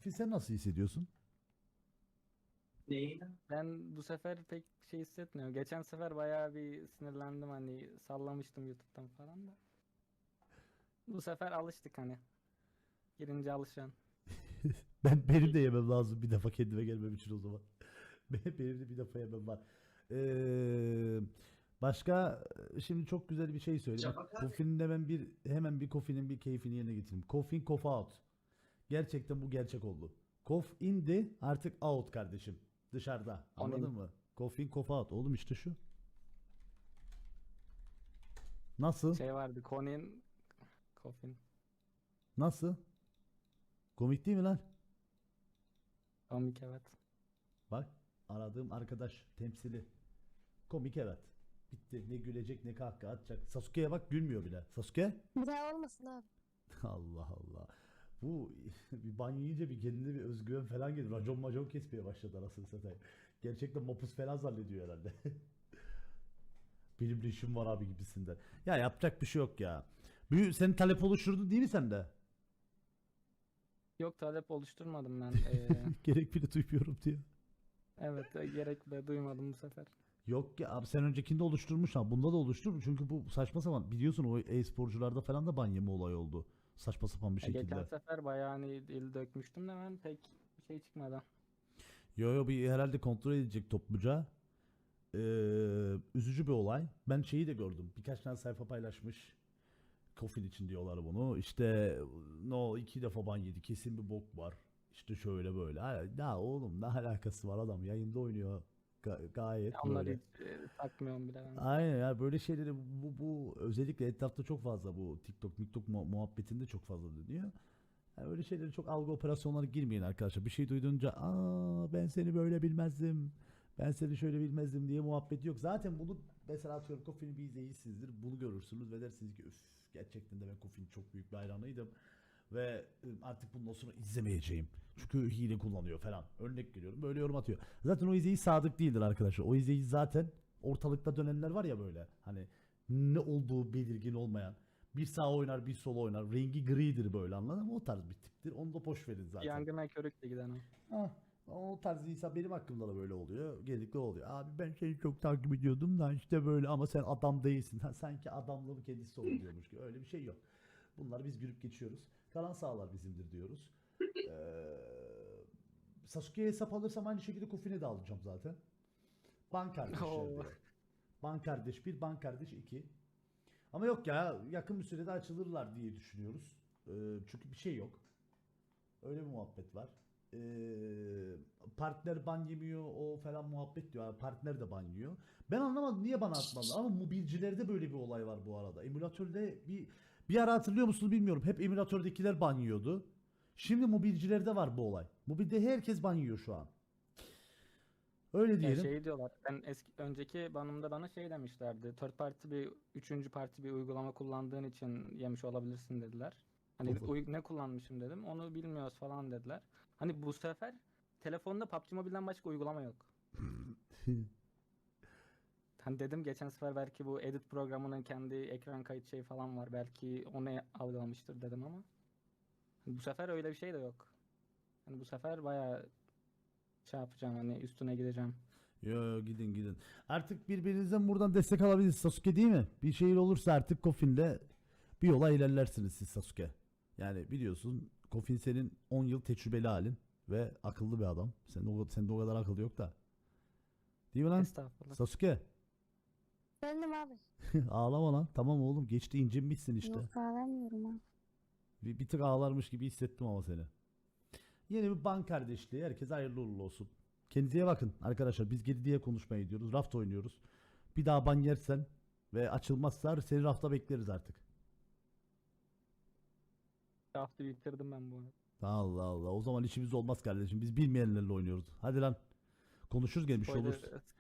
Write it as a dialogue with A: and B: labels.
A: Kofin sen nasıl hissediyorsun?
B: Neyi?
C: Ben bu sefer pek şey hissetmiyorum. Geçen sefer bayağı bir sinirlendim, hani sallamıştım YouTube'dan falan da. Bu sefer alıştık hani. Girince alışan.
A: Benim de yemem lazım bir defa kendime gelmem için o zaman. Benim de bir defa yemem var. Ee, başka şimdi çok güzel bir şey söyle. Bak
B: Şafak abi.
A: Kofin'in hemen bir Kofin'in bir keyfini yerine getireyim. Kofin kof out. Gerçekten bu gerçek oldu. Kof indi artık out kardeşim. Dışarıda. Anladın
C: Onun
A: mı? Kofin kof out. Oğlum işte şu. Nasıl?
C: şey vardı. Conin Coffin.
A: Nasıl? Komik değil mi lan?
C: Komik, evet.
A: Bak aradığım arkadaş temsili. Komik evet. Bitti. Ne gülecek ne kahkaha atacak. Sasuke'ye bak gülmüyor bile. Sasuke?
D: Bir daha olmasın abi.
A: Allah Allah. Bu bir banyo yiyince bir kendine bir özgüven falan gelir. Racon macon kesmeye başladı anasını satayım. Gerçekten mapus falan zannediyor herhalde. Benim de işim var abi gibisinden. Ya yapacak bir şey yok ya. Senin talep oluşturdu değil mi sende?
C: Yok, talep oluşturmadım ben.
A: Gerek bile duymuyorum diyor.
C: Evet, gerek bile duymadım bu sefer.
A: Yok ya abi sen öncekinde oluşturmuş ha. Bunda da oluştur. Çünkü bu saçma sapan. Biliyorsun o e-sporcularda falan da ban yeme olay oldu. Saçma sapan bir
C: Geçen
A: şekilde.
C: sefer bayağı hani dil dökmüştüm de ben pek bir şey çıkmadı.
A: Yo bir herhalde kontrol edecek topluca. Üzücü bir olay. Ben şeyi de gördüm. Birkaç tane sayfa paylaşmış. Kofin için diyorlar bunu. İşte no 2 defa ban yedi. Kesin bir bok var. İşte şöyle böyle. Ya oğlum ne alakası var adam yayında oynuyor. Gayet
C: Ya onları
A: böyle.
C: hiç takmıyorum bile ben.
A: Aynen ya böyle şeyleri bu özellikle etrafta çok fazla bu TikTok muhabbetinde çok fazla dönüyor. Yani öyle şeyleri çok algı operasyonları girmeyin arkadaşlar. Bir şey duyduğunca ben seni böyle bilmezdim. Ben seni şöyle bilmezdim diye muhabbet yok. Zaten bunu mesela atıyorum Kofi'ni bir izleyicisinizdir. Bunu görürsünüz ve dersiniz ki üf gerçekten de ben Kofi'nin çok büyük bir hayranıydım. Ve artık bundan sonra izlemeyeceğim. Çünkü hile kullanıyor falan. Örnek veriyorum. Böyle yorum atıyor. Zaten o izleyici sadık değildir arkadaşlar. O izleyici zaten ortalıkta dönenler var ya böyle. Hani ne olduğu belirgin olmayan. Bir sağ oynar bir sol oynar. Rengi gridir böyle anladın mı? O tarz bir tiptir. Onu da boş verin zaten.
C: Yangına körükle giden o.
A: Ah, o tarz insan benim hakkımda da böyle oluyor. Genellikle oluyor. Abi ben seni çok takip ediyordum da işte böyle ama sen adam değilsin. Ha, sanki adamlığın kendisi oluyormuş gibi. Öyle bir şey yok. Bunları biz gülüp geçiyoruz. Kalan sağlar bizimdir diyoruz. Sasuke'ye hesap alırsam aynı şekilde Kofi'ne de alacağım zaten. Ban kardeşler
C: Oo.
A: diyor. Ban kardeş 1, ban kardeş 2. Ama yok ya yakın bir sürede açılırlar diye düşünüyoruz. Çünkü bir şey yok. Öyle bir muhabbet var. Partner ban yemiyor o falan muhabbet diyor. Yani partner de ban yiyor. Ben anlamadım niye bana atmadılar ama mobilcilerde böyle bir olay var bu arada. Emülatörde bir ara hatırlıyor musunuz bilmiyorum. Hep emülatördekiler ban yiyordu. Şimdi mobilcilerde var bu olay. Mobilde herkes ban yiyor şu an. Öyle
C: Ya
A: diyelim.
C: şey diyorlar. Ben önceki banımda bana şey demişlerdi. Third party bir üçüncü parti bir uygulama kullandığın için yemiş olabilirsin dediler. Hani
A: Tofu.
C: ne kullanmışım dedim. Onu bilmiyoruz falan dediler. Hani bu sefer telefonda PUBG Mobile'den başka uygulama yok. Hani dedim geçen sefer belki bu edit programının kendi ekran kayıt şey falan var. Belki onu algılamıştır dedim ama hani bu sefer öyle bir şey de yok. Hani bu sefer bayağı şey yapacağım, hani üstüne gideceğim.
A: Yo gidin. Artık birbirinizden buradan destek alabilirsiniz Sasuke değil mi? Bir şey olursa artık Kofin'le bir yola ilerlersiniz siz Sasuke. Yani biliyorsun Kofin senin 10 yıl tecrübeli halin ve akıllı bir adam. Sende o kadar akıl yok da. Değil mi lan?
C: Estağfurullah.
A: Sasuke.
D: Efendim abi.
A: Ağlama lan. Tamam oğlum geçti incinmişsin işte.
D: Yok ağlamıyorum abi.
A: Bir tık ağlarmış gibi hissettim ama seni. Yeni bir ban kardeşliği. Herkese hayırlı uğurlu olsun. Kendinize iyi bakın arkadaşlar. Biz geri diye konuşmaya gidiyoruz. Raft oynuyoruz. Bir daha ban yersen ve açılmazsa seni rafta bekleriz artık.
C: Hafta bitirdim ben bu arada.
A: Allah Allah. O zaman işimiz olmaz kardeşim. Biz bilmeyenlerle oynuyoruz. Hadi lan. Konuşuruz gene bir şey olursa.